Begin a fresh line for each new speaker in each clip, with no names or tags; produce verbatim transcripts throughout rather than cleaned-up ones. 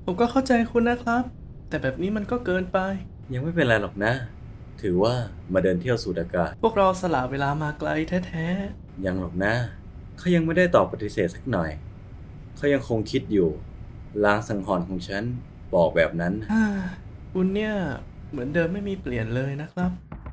ผมก็เข้าใจคุณนะครับแต่แบบนี้มันก็เกินไป
ยังไม่เป็นไรหรอกนะถือว่ามาเดินเที่ยวสูดอากาศ
พวกเราสละเวลามาไกลแท้
ยังหรอกนะเขายังไม่ได้ตอบปฏิเสธสักหน่อยเขายังคงคิดอยู่ลางสังหรณ์ของฉันบอกแบบนั้น
ๆฮ่าคุณเนี่ยเหมือนเดิมไม่มีเปลี่ยนเลยนะครับ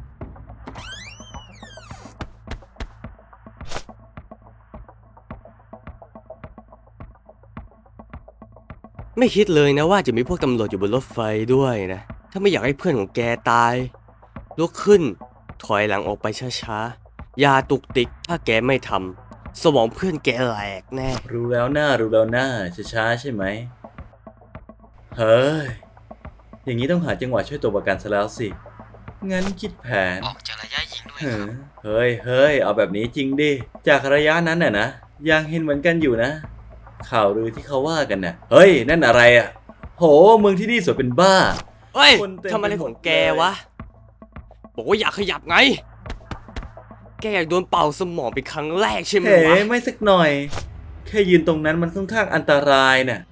ไม่คิดเลยนะว่าจะมีพวกตำรวจอยู่บนรถไฟด้วยนะถ้าไม่อยากให้เพื่อนของแกตายลุกขึ้นถอยหลังออกไปช้าๆอย่าตุกติกถ้าแกไม่ทำสมองเพื่อนแกแหลกแน่
รู้แล้วหน้ารู้แล้วหน้าช้าๆใช่ไหมเฮ้ยอย่างนี้ต้องหาจังหวะช่วยตัวประกันซะแล้วสิงั้นคิดแผน
ออกจากระยะยิงด้วย
เฮ้ยเฮ้ยเฮ้ยเอาแบบนี้จริงดิจากระยะนั้นน่ะนะยังเห็นเหมือนกันอยู่นะข่าวลือที่เขาว่ากันน่ะเฮ้ยนั่นอะไรอ่ะโหเมืองที่นี่สวยเป็นบ้า
เฮ้ย
คนเต็ม
ทำอะไรของแกวะ บอกว่าอยากขยับไง แกอยากโดนเป่าสมองเป็นครั้งแรกใช่ไหม
เฮ้
วะ
ไม่สักหน่อยแค่ยืนตรงนั้นมันค่อนข้างอันตรายน่ะ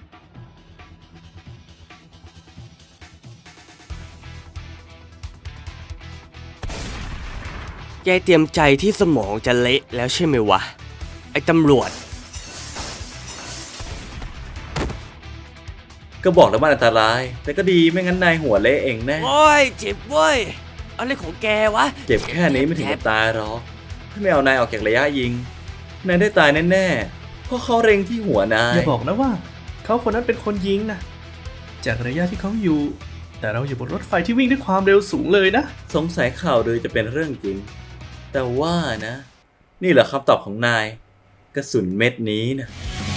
แกเตรียมใจที่สมองจะเละแล้วใช่ไหมวะ ไอ้ตำรวจ
ก็บอกแล้วมันอันตราย แต่ก็ดีไม่งั้นนายหัวเละเองแน่
โอ้ย เจ็บเว้ย อะไรของแกวะ
เจ็บแค่นี้ไม่ถึงกับตายหรอกถ้าไม่เอานายออกจากระยะยิงนายได้ตายแน่ๆเพราะเขาเร็งที่หัวนาย
อย่าบอกนะว่าเขาคนนั้นเป็นคนยิงนะจากระยะที่เขาอยู่ แต่เราอยู่บนรถไฟที่วิ่งด้วยความเร็วสูงเลยนะ
สงสัยข่าวลือจะเป็นเรื่องจริง แต่ว่านะ นี่แหละคำตอบของนายกระสุนเม็ดนี้นะ